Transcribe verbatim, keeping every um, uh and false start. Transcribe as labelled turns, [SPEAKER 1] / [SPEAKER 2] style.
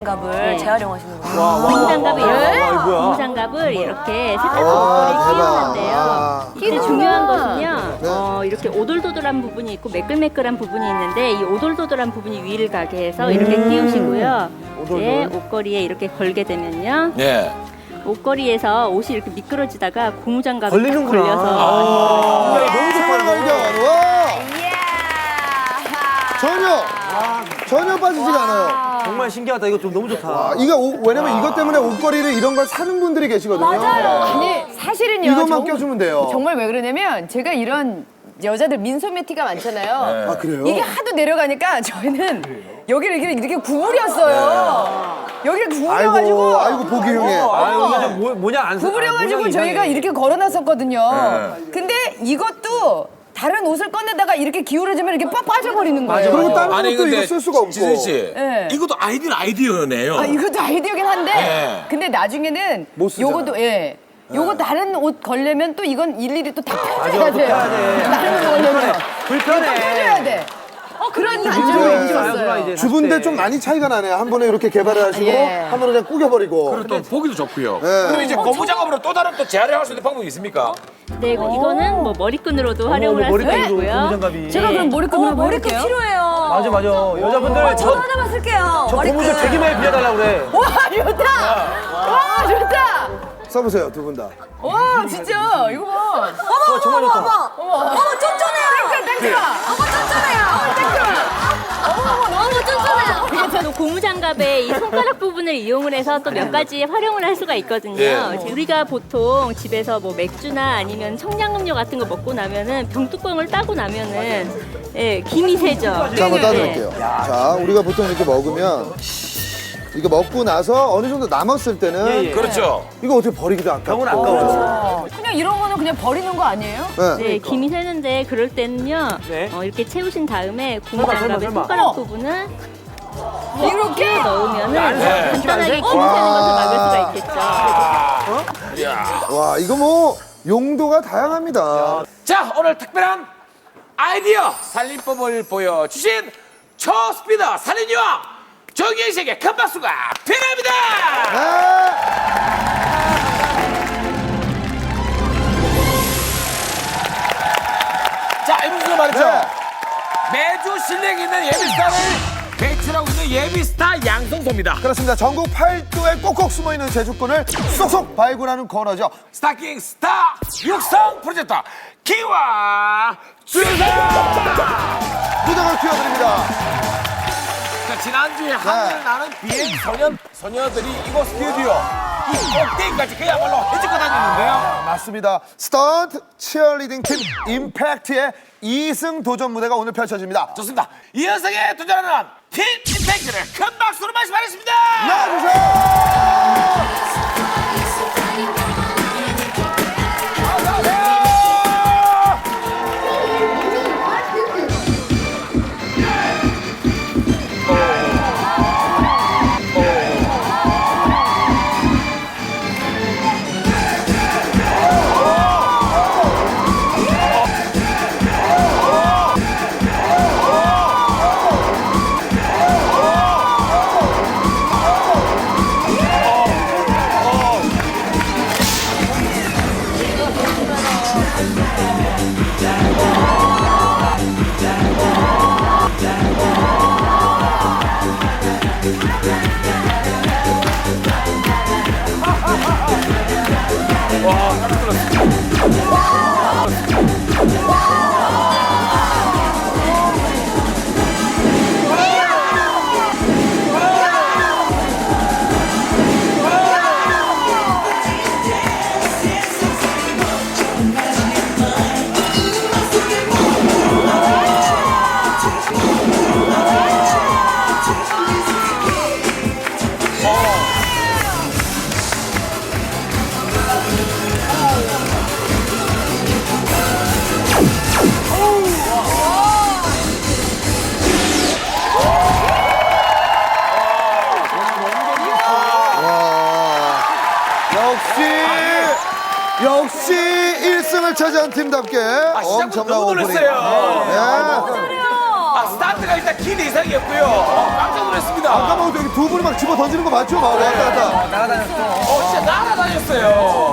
[SPEAKER 1] 고무장갑을
[SPEAKER 2] 네.
[SPEAKER 1] 재활용하시는 거예요.
[SPEAKER 2] 고무장갑을 이렇게,
[SPEAKER 3] 아, 뭐야?
[SPEAKER 2] 고무장갑을 이렇게 세탁기
[SPEAKER 4] 와,
[SPEAKER 2] 목걸이에
[SPEAKER 4] 대박.
[SPEAKER 2] 끼우는데요.
[SPEAKER 4] 아.
[SPEAKER 2] 근데 중요한 것은요,
[SPEAKER 4] 네.
[SPEAKER 2] 어, 이렇게 오돌도돌한 부분이 있고 매끌매끌한 부분이 있는데 이 오돌도돌한 부분이 위를 가게 해서 이렇게 끼우시고요. 이제 옷걸이에 이렇게 걸게 되면요.
[SPEAKER 5] 네.
[SPEAKER 2] 옷걸이에서 옷이 이렇게 미끄러지다가 고무장갑이
[SPEAKER 3] 걸리는구나.
[SPEAKER 2] 걸려서
[SPEAKER 3] 아.
[SPEAKER 4] 너무 좋아요, 발견. 와! 전혀, 전혀 빠지지가 않아요.
[SPEAKER 3] 정말 신기하다. 이거 좀 너무 좋다.
[SPEAKER 4] 아, 이거 옷- 왜냐면 이것 때문에 옷걸이를 이런 걸 사는 분들이 계시거든요.
[SPEAKER 6] 아니 사실은요.
[SPEAKER 4] 이것만
[SPEAKER 6] 정-
[SPEAKER 4] 껴주면 돼요.
[SPEAKER 6] 정말 왜 그러냐면 제가 이런 여자들 민소매 티가 많잖아요.
[SPEAKER 4] 아, 그래요?
[SPEAKER 6] 이게 하도 내려가니까 저희는 여기를 이렇게, 이렇게 구부렸어요. 여기를 구부려가지고
[SPEAKER 4] 아이고, 아이고, 보기 흉해.
[SPEAKER 3] 아, 이거 좀 뭐, 뭐냐 안 사.
[SPEAKER 6] 구부려가지고
[SPEAKER 3] 아, 모양이
[SPEAKER 6] 저희가
[SPEAKER 3] 이상해.
[SPEAKER 6] 이렇게 걸어놨었거든요. 근데 이것도 다른 옷을 꺼내다가 이렇게 기울어지면 이렇게 빡 빠져버리는 거예요.
[SPEAKER 4] 그리고 다른
[SPEAKER 5] 아니
[SPEAKER 4] 것도 이거
[SPEAKER 5] 근데
[SPEAKER 4] 쓸 수가 없고.
[SPEAKER 5] 지선 씨,
[SPEAKER 6] 네.
[SPEAKER 5] 이것도 아이디어 아이디어네요.
[SPEAKER 6] 아, 이것도 아이디어긴 한데
[SPEAKER 5] 네.
[SPEAKER 6] 근데 나중에는
[SPEAKER 4] 못 쓰잖아.
[SPEAKER 6] 요것도 예. 요거 다른 옷 걸려면 또 이건 일일이 또 다 펴줘야 돼요. 다른 옷 걸려면
[SPEAKER 3] 불편해.
[SPEAKER 6] 펴줘야 돼. 어 그런
[SPEAKER 4] 이제
[SPEAKER 6] 단점이
[SPEAKER 3] 좋아,
[SPEAKER 6] 있었어요.
[SPEAKER 3] 이제
[SPEAKER 4] 주부인데
[SPEAKER 3] 다시
[SPEAKER 4] 좀
[SPEAKER 3] 때.
[SPEAKER 4] 많이 차이가 나네요. 한 번에 이렇게 개발을 하시고
[SPEAKER 6] 예.
[SPEAKER 4] 한 번에 그냥 꾸겨버리고.
[SPEAKER 5] 그리고 또 보기도 좋고요.
[SPEAKER 4] 네.
[SPEAKER 5] 그럼 이제 고무장갑으로 또 다른 또 재활용할 수 있는 방법이 있습니까?
[SPEAKER 2] 네, 이거- 이거는 뭐 머리끈으로도 활용을 할 수가
[SPEAKER 3] 머리끈으로
[SPEAKER 2] 있고요.
[SPEAKER 3] 고무장갑이.
[SPEAKER 6] 제가 그럼 머리끈을
[SPEAKER 1] 어, 머리끈
[SPEAKER 6] 해볼게요.
[SPEAKER 1] 필요해요.
[SPEAKER 3] 맞아, 맞아. 여자분들
[SPEAKER 1] 저도
[SPEAKER 3] 저,
[SPEAKER 1] 하나만 쓸게요.
[SPEAKER 3] 저
[SPEAKER 1] 머리끈.
[SPEAKER 3] 고무줄 되게 많이 빌려달라고 그래.
[SPEAKER 6] 와 좋다. 와 좋다.
[SPEAKER 4] 써보세요, 두 분 다.
[SPEAKER 6] 와 진짜 이거 봐.
[SPEAKER 1] 어머,
[SPEAKER 3] 정말
[SPEAKER 1] 어머,
[SPEAKER 3] 좋다.
[SPEAKER 1] 어머, 어머, 어머, 쫀쫀해요.
[SPEAKER 6] 땡큐가.
[SPEAKER 1] 어머, 쫀쫀해요. 어머, 땡큐. 어머, 어머, 너무 쫀쫀해요.
[SPEAKER 2] 그리고 저도 고무장갑의 이 손가락 부분을 이용을 해서 또 몇 가지 활용을 할 수가 있거든요.
[SPEAKER 5] 예.
[SPEAKER 2] 우리가 보통 집에서 뭐 맥주나 아니면 청량음료 같은 거 먹고 나면은 병뚜껑을 따고 나면은 예, 김이 새죠.
[SPEAKER 4] 자, 한번 따드릴게요. 자, 우리가 보통 이렇게 먹으면 이거 먹고 나서 어느 정도 남았을 때는
[SPEAKER 3] 예, 예.
[SPEAKER 5] 그렇죠.
[SPEAKER 4] 이거 어떻게 버리기도 아깝고.
[SPEAKER 3] 병은 아까워.
[SPEAKER 6] 그냥 이런 거는 그냥 버리는 거 아니에요?
[SPEAKER 4] 네.
[SPEAKER 2] 네, 김이 새는데 그럴 때는요.
[SPEAKER 3] 네.
[SPEAKER 2] 어, 이렇게 채우신 다음에
[SPEAKER 3] 설마,
[SPEAKER 2] 고무장갑의
[SPEAKER 3] 설마.
[SPEAKER 2] 손가락
[SPEAKER 6] 어머.
[SPEAKER 2] 부분을
[SPEAKER 6] 이렇게
[SPEAKER 2] 넣으면은
[SPEAKER 5] 네.
[SPEAKER 2] 간단하게 김이 새는 것을 막을 수가 있겠죠.
[SPEAKER 4] 와, 이거 뭐 용도가 다양합니다.
[SPEAKER 5] 자, 오늘 특별한 아이디어 살림법을 보여주신 초스피더 살인여왕 정현 씨에게 큰 박수가 필요합니다.
[SPEAKER 4] 네.
[SPEAKER 5] 자, 이분들 말이죠.
[SPEAKER 4] 네.
[SPEAKER 5] 매주 실력 있는 예비스타를 배출하고 있는 예비스타 양성소입니다.
[SPEAKER 4] 그렇습니다. 전국 팔도에 꼭꼭 숨어있는 제주권을 쏙쏙 발굴하는 코너죠.
[SPEAKER 5] 스타킹 스타 육성 프로젝트 기와 주성.
[SPEAKER 4] 무덤을 튀어드립니다.
[SPEAKER 5] 자, 지난주에 하늘 나는 비행 소년 소녀들이 이곳 스튜디오 이 꼭대기까지 그야말로 해집고 다녔는데요.
[SPEAKER 4] 맞습니다. 스턴트 치어리딩 팀 임팩트의 이승 도전 무대가 오늘 펼쳐집니다.
[SPEAKER 5] 좋습니다. 이 현상에 도전하는 팀 임팩트를 큰 박수로 말씀하겠습니다.
[SPEAKER 4] 나와주세요. 와, 역시 역시 일 승을 차지한 팀답게
[SPEAKER 5] 아, 시작부터
[SPEAKER 4] 엄청난
[SPEAKER 5] 너무
[SPEAKER 4] 오프닝.
[SPEAKER 5] 놀랐어요.
[SPEAKER 4] 네.
[SPEAKER 5] 아, 스타트 스타트가 일단 기대 이상이었고요. 어, 깜짝 놀랐습니다.
[SPEAKER 4] 아까 뭐 여기 두 분이 막 집어 던지는 거 맞죠? 막 왔다 갔다.
[SPEAKER 3] 날아다녔어.
[SPEAKER 5] 어, 진짜 날아다녔어요.